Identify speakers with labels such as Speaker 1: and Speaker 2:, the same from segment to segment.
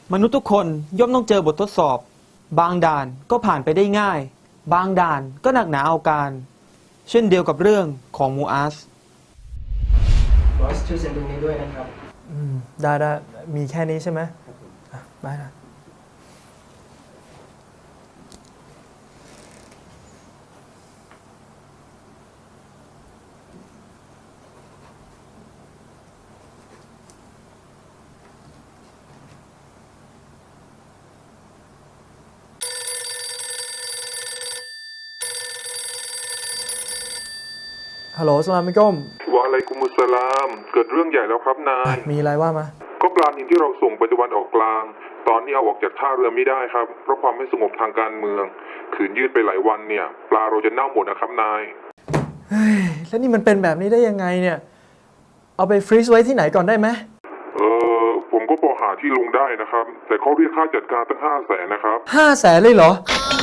Speaker 1: มนุษย์ทุกคนย่อมต้องเจอบททดสอบบางด่านก็ผ่านไปได้ง่ายบางด่านก็หนักหนาเอาการเช่นเดียวกับเรื่องของมูอาส
Speaker 2: บอสช่วยเซ็นตรงนี้ด้วยนะครับ
Speaker 3: ได้มีแค่นี้ใช่ไหมได้นะฮัลโหลสลามอะลัยกุม
Speaker 4: วะอะลัยกุมุสสลามเกิดเรื่องใหญ่แล้วครับนาย
Speaker 3: มีอะไรว่ามา
Speaker 4: ก็ปลานิลที่เราส่งไปตะวันออกกลางตอนนี้เอาออกจากท่าเรือไม่ได้ครับเพราะความไม่สงบทางการเมืองขืนยืดไปหลายวันเนี่ยปลาเราจะเน่าหมดนะครับนาย
Speaker 3: เฮ้ยแล้วนี่มันเป็นแบบนี้ได้ยังไงเนี่ยเอาไปฟรีซไว้ที่ไหนก่อนได้ไหม
Speaker 4: ผมก็พอหาที่ลงได้นะครับแต่เขาเรียกค่าจัดการตั้ง500,000นะครับ
Speaker 3: 500,000เลยเหรอ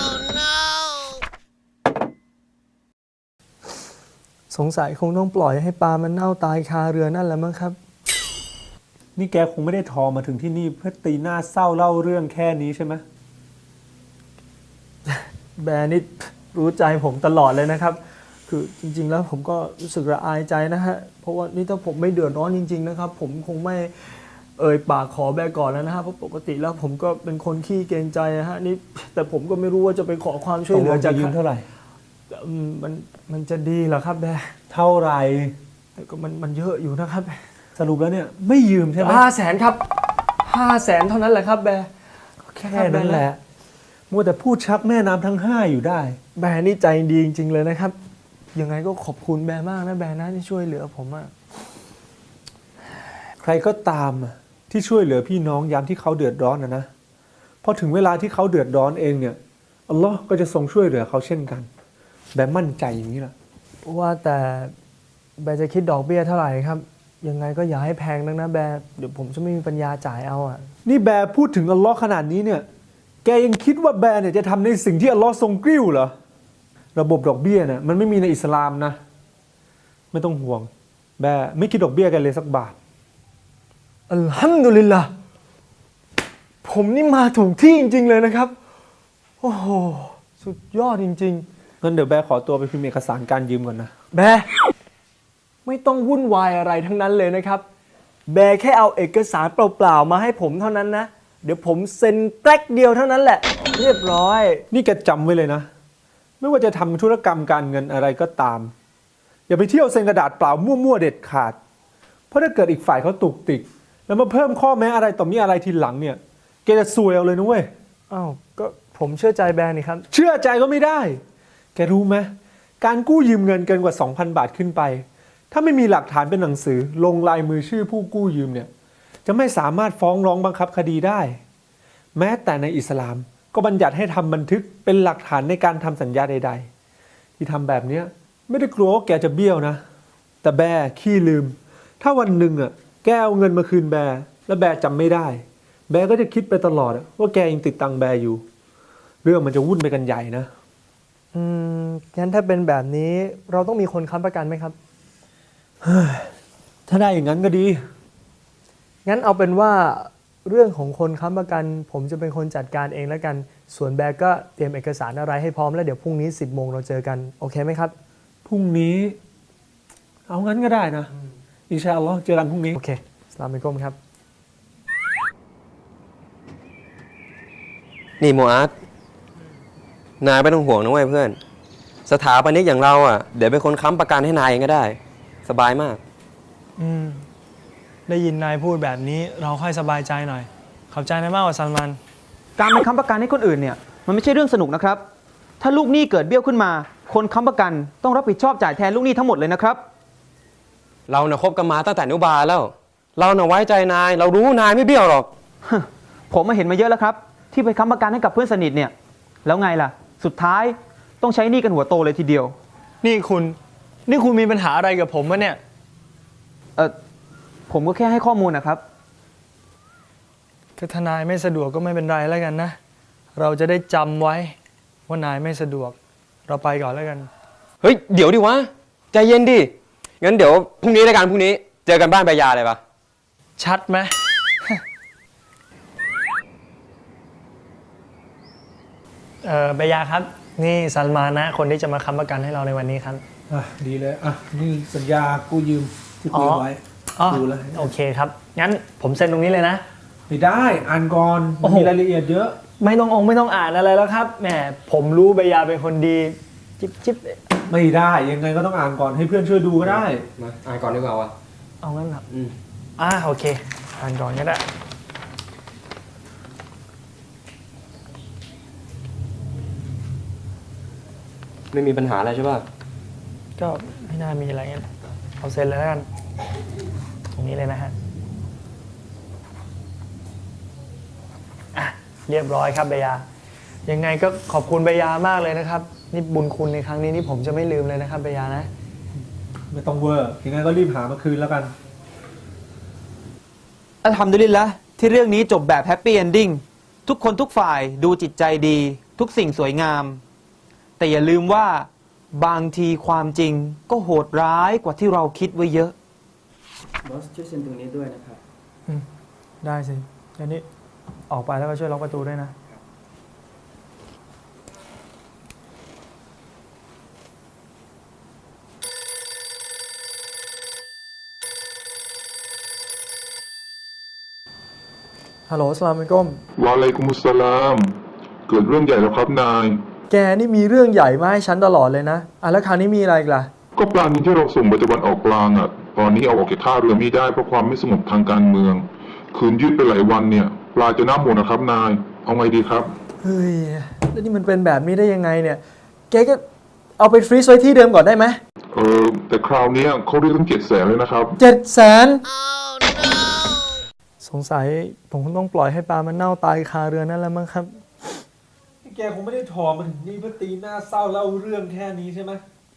Speaker 3: สงสัยคงต้องปล่อยให้ปลามันเน่าตายคาเรือนั่นแหละมั้งครับ
Speaker 5: นี่แกคงไม่ได้ทอมาถึงที่นี่เพื่อตีหน้าเศร้าเล่าเรื่องแค่นี้ใช่ไหม
Speaker 3: แบร์นี่รู้ใจผมตลอดเลยนะครับคือจริงๆแล้วผมก็รู้สึกระอายใจนะฮะเพราะว่านี่ถ้าผมไม่เดือดร้อนจริงๆนะครับผมคงไม่ปากขอแบร์ก่อนแล้วนะฮะเพราะปกติแล้วผมก็เป็นคนขี้เกรงใจนะฮะนี่แต่ผมก็ไม่รู้ว่าจะไปขอความช่วยเหลือจาก
Speaker 5: ยืมเท่าไหร่
Speaker 3: มันจะดีเหรอครับแบร์
Speaker 5: เท่าไหร่
Speaker 3: แต่ก็มันเยอะอยู่นะครับ
Speaker 5: สรุปแล้วเนี่ยไม่ยืมใช่ไหม
Speaker 3: 500,000ครับ500,000เท่านั้นแหละครับแบร์
Speaker 5: แค่นั้นแหละมัวแต่พูดชักแม่น้ำทั้ง5อยู่ได้
Speaker 3: แบร์นี่ใจดีจริงๆเลยนะครับยังไงก็ขอบคุณแบร์มากนะแบร์นะที่ช่วยเหลือผมอะ
Speaker 5: ใครก็ตามที่ช่วยเหลือพี่น้องยามที่เขาเดือดร้อนนะพอถึงเวลาที่เขาเดือดร้อนเองเนี่ยอัลลอฮ์ก็จะทรงช่วยเหลือเขาเช่นกันแบร์มั่นใจอย่างนี้แหละ
Speaker 3: ว่าแต่แบร์จะคิดดอกเบี้ยเท่าไหร่ครับยังไงก็อย่าให้แพงนักนะแบร์เดี๋ยวผมจะไม่มีปัญญาจ่ายเอาอ่ะ
Speaker 5: นี่แบร์พูดถึงอัลลอฮ์ขนาดนี้เนี่ยแกยังคิดว่าแบร์เนี่ยจะทำในสิ่งที่อัลลอฮ์ทรงกริ้วเหรอระบบดอกเบี้ยเนี่ยมันไม่มีในอิสลามนะไม่ต้องห่วงแบร์ไม่คิดดอกเบี้ยกันเลยสักบาท
Speaker 3: อัลฮัมดุลิลละผมนี่มาถูกที่จริงๆเลยนะครับโอ้โหสุดยอดจริง
Speaker 5: ๆงั้นเดี๋ยวแบร์ขอตัวไปพิมพ์เอกสารการยืมก่อนนะ
Speaker 3: แบร์ไม่ต้องวุ่นวายอะไรทั้งนั้นเลยนะครับแบร์แค่เอาเอกสารเปล่าๆมาให้ผมเท่านั้นนะเดี๋ยวผมเซ็นแป๊กเดียวเท่านั้นแหละเรียบร้อย
Speaker 5: นี่แกจำไว้เลยนะไม่ว่าจะทำธุรกรรมการเงินอะไรก็ตามอย่าไปเที่ยวเซ็นกระดาษเปล่ามั่วๆเด็ดขาดเพราะถ้าเกิดอีกฝ่ายเขาตุกติกแล้วมาเพิ่มข้อแม้อะไรต่อมีอะไรทีหลังเนี่ยแกจะซวยเอาเลยนะเว้ย
Speaker 3: อ้าวก็ผมเชื่อใจแบร์นี่ครับ
Speaker 5: เชื่อใจก็ไม่ได้แกรู้ไหมการกู้ยืมเงินเกินกว่า 2,000 บาทขึ้นไปถ้าไม่มีหลักฐานเป็นหนังสือลงลายมือชื่อผู้กู้ยืมเนี่ยจะไม่สามารถฟ้องร้องบังคับคดีได้แม้แต่ในอิสลามก็บัญญัติให้ทำบันทึกเป็นหลักฐานในการทำสัญญาใดๆที่ทำแบบนี้ไม่ได้กลัวว่าแกจะเบี้ยวนะแต่แบร์ขี้ลืมถ้าวันหนึ่งแกเอาเงินมาคืนแบร์แล้วแบร์จำไม่ได้แบร์ก็จะคิดไปตลอดว่าแกยังติดตังแบร์อยู่เรื่องมันจะวุ่นไปกันใหญ่นะ
Speaker 3: งั้นถ้าเป็นแบบนี้เราต้องมีคนค้ำประกันไหมครับ
Speaker 5: ถ้าได้อย่างนั้นก็ดี
Speaker 3: งั้นเอาเป็นว่าเรื่องของคนค้ำประกันผมจะเป็นคนจัดการเองแล้วกันส่วนแบร์ก็เตรียมเอกสารอะไรให้พร้อมแล้วเดี๋ยวพรุ่งนี้ 10 โมงเราเจอกันโอเคไหมครับ
Speaker 5: พรุ่งนี้เอางั้นก็ได้นะอินชาอัลลอฮ์เจอกันพรุ่งนี้
Speaker 3: โอเคอัสลามุอะลัยกุมครับ
Speaker 2: นี่โมอาสนายไม่ต้องห่วงนะเว้ยเพื่อนสถาปนิกอย่างเราเดี๋ยวเป็นคนค้ำประกันให้นายเองก็ได้สบายมาก
Speaker 3: ได้ยินนายพูดแบบนี้เราค่อยสบายใจหน่อยขอบใจนายมากกว่าซัลมัน
Speaker 1: การไปค้ำประกันให้คนอื่นเนี่ยมันไม่ใช่เรื่องสนุกนะครับถ้าลูกหนี้เกิดเบี้ยวขึ้นมาคนค้ำประกันต้องรับผิดชอบจ่ายแทนลูกหนี้ทั้งหมดเลยนะครับ
Speaker 2: เราคบกันมาตั้งแต่อนุบาลแล้วเราไว้ใจนายเรารู้นายไม่เบี้ยวหรอก
Speaker 1: ผมมาเห็นมาเยอะแล้วครับที่ไปค้ำประกันให้กับเพื่อนสนิทเนี่ยแล้วไงล่ะสุดท้ายต้องใช้หนี้กันหัวโตเลยทีเดียว
Speaker 3: นี่คุณมีปัญหาอะไรกับผมวะเนี่ย
Speaker 1: ผมก็แค่ให้ข้อมูลนะครับ
Speaker 3: ถ้านายไม่สะดวกก็ไม่เป็นไรแล้วกันนะเราจะได้จำไว้ว่านายไม่สะดวกเราไปก่อนแล้วกัน
Speaker 2: เฮ้ยเดี๋ยวดิวะใจเย็นดิงั้นเดี๋ยวพรุ่งนี้แล้วกันพรุ่งนี้เจอกันบ้านใบยาเลยปะ
Speaker 3: ชัดไหมเบยาครับนี่ซัลมานะคนที่จะมาค้ำประกันให้เราในวันนี้ครับ
Speaker 5: อ่ะดีเลยอ่ะนี่สัญญากู้ยืมที่คุยไว้
Speaker 3: อ๋อ
Speaker 5: ดูแล้ว
Speaker 3: โอเคครับงั้นผมเซ็นตรงนี้เลยนะ
Speaker 5: ไม่ได้อ่านก่อน
Speaker 3: โอ้โห
Speaker 5: มีรายละเอียดเยอะ
Speaker 3: ไม่ต้องอ่านอะไรแล้วครับแหมผมรู้เบยาเป็นคนดีจิ๊บ
Speaker 5: ไม่ได้ยังไงก็ต้องอ่านก่อนให้เพื่อนช่วยดูก็ได้
Speaker 2: มาอ่านก่อนดีกว่าวะ
Speaker 3: เอางั้นครับ
Speaker 2: อืม
Speaker 3: โอเคอ่านก่อนก็ได้
Speaker 2: ไม่มีปัญหาอะไรใช่ป่ะ
Speaker 3: ก็ไม่น่ามีอะไรงั้นเอาเซ็นเลยแล้วกันตรงนี้เลยนะฮะเรียบร้อยครับเบยายังไงก็ขอบคุณเบยามากเลยนะครับนี่บุญคุณในครั้งนี้นี่ผมจะไม่ลืมเลยนะครับเบยานะ
Speaker 5: ไม่ต้องเวอร์ยังไงก็รีบหามาคืนแล้วกัน
Speaker 1: อัลฮัมดุลิลละห์ที่เรื่องนี้จบแบบแฮปปี้เอนดิ้งทุกคนทุกฝ่ายดูจิตใจดี ทุกสิ่งสวยงาม แต่อย่าลืมว่าบางทีความจริงก็โหดร้ายกว่าที่เราคิดไว้เยอะ
Speaker 6: บอสช่วยเซ็นตรงนี้ด้วยนะครับ
Speaker 3: ได้สิอันนี้ออกไปแล้วก็ช่วยล็อกประตูด้วยนะ ฮัลโหลสลามอะลัยกุม
Speaker 4: วะอะลัยกุมุสสลาม เกิดเรื่องใหญ่แล้วครับนาย
Speaker 3: แกนี่มีเรื่องใหญ่มาให้ฉันตลอดเลยนะแล้วคราวนี้มีอะไรอีกล่ะ
Speaker 4: ก็ปลานินที่เราส่งไปตะวันออกกลางอ่ะ ตอนนี้เอาออกจากท่าเรือไม่ได้เพราะความไม่สงบทางการเมือง คืนยืดไปหลายวันเนี่ย ปลาจะน่าหมดนะครับนาย เอาไงดีครับ
Speaker 3: เฮ้ย แล้วนี่มันเป็นแบบนี้ได้ยังไงเนี่ย แกก็เอาไปฟรีซไว้ที่เดิมก่อนได้ไหม
Speaker 4: แต่คราวเนี้ยเขาเรียกตั้ง700,000เลยนะครับ
Speaker 3: 700,000 สงสัยผมคงต้องปล่อยให้ปลามันเน่าตายคาเรือนั่นแล้วมั้งครับ
Speaker 5: แกคงไม่ได้ถอมาถึงนี่เพื่อตีหน้าเศร้าเล่าเรื่องแค่นี้ใช่ไหม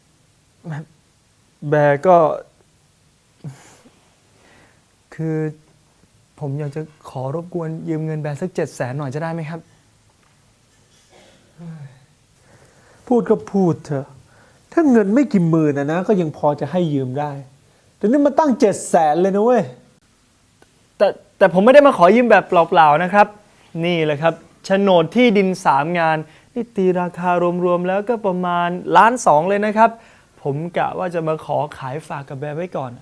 Speaker 3: แบร์ก็ คือผมอยากจะขอรบกวนยืมเงินแบร์สัก700,000หน่อยจะได้ไหมครับ
Speaker 5: พูดก็พูดเถอะ ถ้าเงินไม่กี่หมื่นนะก็ยังพอจะให้ยืมได้ แต่นี่มาตั้ง700,000เลยนะเว้ย
Speaker 3: แต่ผมไม่ได้มาขอยืมแบบเปล่าๆนะครับ นี่แหละครับโฉนดที่ดิน3 งานนี่ตีราคารวมๆแล้วก็ประมาณ1.2 ล้านเลยนะครับ ผมกะว่าจะมาขอขายฝากกับแบร์ไว้ก่อน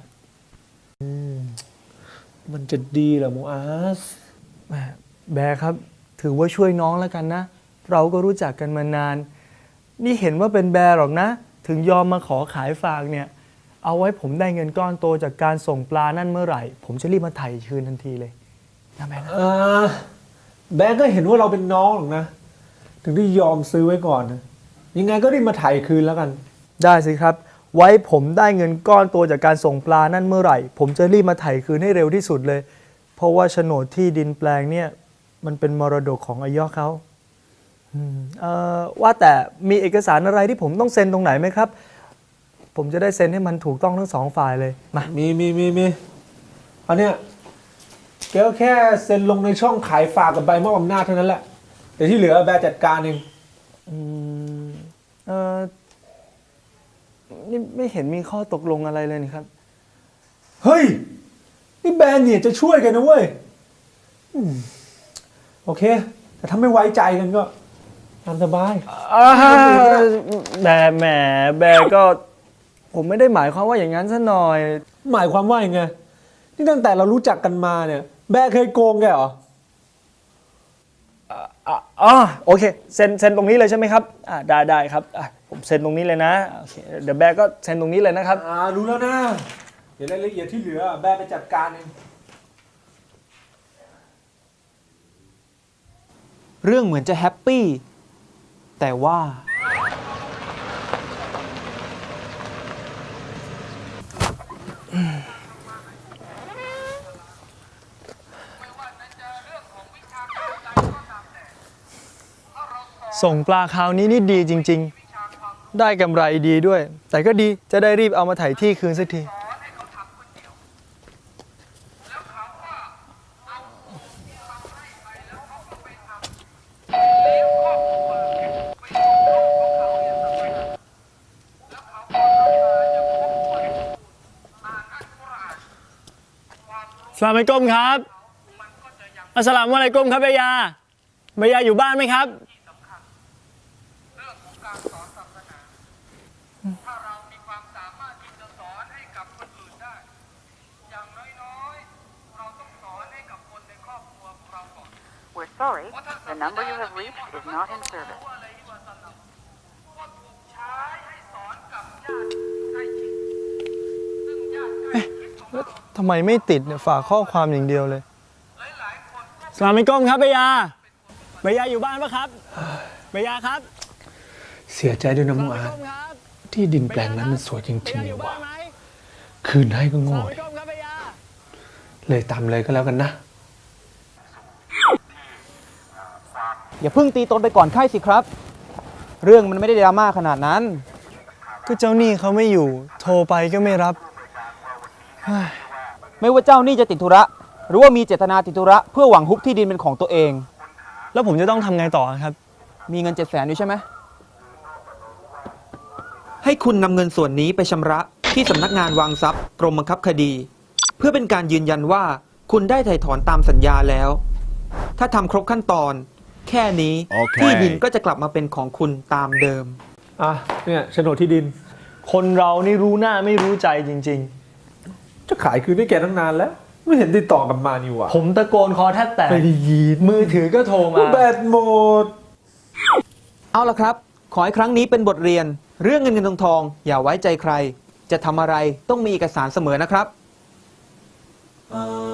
Speaker 5: มันจะดีเหรอโมอาส
Speaker 3: แบร์ครับถือว่าช่วยน้องแล้วกันนะ เราก็รู้จักกันมานาน นี่เห็นว่าเป็นแบร์หรอกนะ ถึงยอมมาขอขายฝากเนี่ย เอาไว้ผมได้เงินก้อนโตจากการส่งปลานั่นเมื่อไหร่ ผมจะรีบมาไถ่คืนทันทีเลยนะแบร์นะ
Speaker 5: แบงก์ก็เห็นว่าเราเป็นน้องหรอกนะ ถึงได้ยอมซื้อไว้ก่อนนะยังไงก็รีบมาถ่ายคืนแล้วกัน
Speaker 3: ได้สิครับ ไว้ผมได้เงินก้อนโตจากการส่งปลานั่นเมื่อไหร่ ผมจะรีบมาไถ่คืนให้เร็วที่สุดเลย เพราะว่าโฉนดที่ดินแปลงเนี่ยมันเป็นมรดกของอายอเขาว่าแต่มีเอกสารอะไรที่ผมต้องเซ็นตรงไหนไหมครับ ผมจะได้เซ็นให้มันถูกต้องทั้งสองฝ่ายเลยมา
Speaker 5: มีอันเนี้ยแกก็แค่เซ็นลงในช่องขายฝากกับใบมอบอำนาจเท่านั้นแหละแต่ที่เหลือแบร์จัดการเอง
Speaker 3: นี่ไม่เห็นมีข้อตกลงอะไรเลยนี่ครับ
Speaker 5: เฮ้ย นี่แบร์เนี่ยจะช่วยกันนะเว้ยโอเค แต่ถ้าไม่ไว้ใจกันก็ตามสบาย
Speaker 3: แหมแบร์ก็ผมไม่ได้หมายความว่าอย่างนั้นซะหน่อย
Speaker 5: หมายความว่ายังไงนี่ตั้งแต่เรารู้จักกันมาเนี่ย แบร์เคยโกงแกเหรอ
Speaker 3: โอเคเซ็นตรงนี้เลยใช่ไหมครับได้ครับผมเซ็นตรงนี้เลยนะโอเคเดี๋ยวแบร์ก็เซ็นตรงนี้เลยนะครับ
Speaker 5: รู้แล้วนะ เดี๋ยวรายละเอียดที่เหลือแบร์ไปจัดการเอง
Speaker 1: เรื่องเหมือนจะแฮปปี้แต่ว่า
Speaker 3: ส่งปลาคราวนี้นี่ดีจริงๆ ได้กำไรดีด้วย แต่ก็ดีจะได้รีบเอามาถ่ายที่คืนสักที สลามอะลัยกุมครับอัสสลามุอะลัยกุมครับเบยาอยู่บ้านไหมครับ
Speaker 7: Sorry, the number you have reached is not in service.
Speaker 3: ทำไมไม่ติดเนี่ยฝากข้อความอย่างเดียวเลยสลามอะลัยกุมครับเบียร์อยู่บ้านปะครับเบียร์ครับ
Speaker 5: เสียใจด้วยนะมูอาร์ตที่ดินแปลงนั้นมันสวยจริงๆเลยว่ะคืนให้ก็โง่ดิเลยตามเลยก็แล้วกันนะ
Speaker 1: อย่าเพิ่งตีตนไปก่อนไข้สิครับ เรื่องมันไม่ได้ดราม่าขนาดนั้น
Speaker 3: ก็เจ้าหนี้เขาไม่อยู่ โทรไปก็ไม่รับ
Speaker 1: ไม่ว่าเจ้าหนี้จะติดธุระ หรือว่ามีเจตนาติดธุระเพื่อหวังฮุบที่ดินเป็นของตัวเอง
Speaker 3: แล้วผมจะต้องทำไงต่อครับ
Speaker 1: มีเงิน700,000อยู่ใช่ไหม ให้คุณนำเงินส่วนนี้ไปชำระที่สำนักงานวางทรัพย์กรมบังคับคดี เพื่อเป็นการยืนยันว่าคุณได้ไถ่ถอนตามสัญญาแล้ว ถ้าทำครบขั้นตอน แค่นี้ที่ดินก็จะกลับมาเป็นของคุณตามเดิม
Speaker 5: อ่ะเนี่ยโฉนดที่ดิน
Speaker 3: คนเรานี่รู้หน้าไม่รู้ใจจริง
Speaker 5: จะขายคืนให้แกตั้งนานแล้ว ไม่เห็นติดต่อกลับมานี่หว่า
Speaker 3: ๆ ผมตะโกนคอแทบแตก
Speaker 5: ไม่ได้ยิน
Speaker 3: มือถือก็โทรมา
Speaker 5: แบตหมด
Speaker 1: เอาละครับ ขอให้ครั้งนี้เป็นบทเรียน เรื่องเงินเงินทองอย่าไว้ใจใคร จะทำอะไรต้องมีเอกสารเสมอนะครับ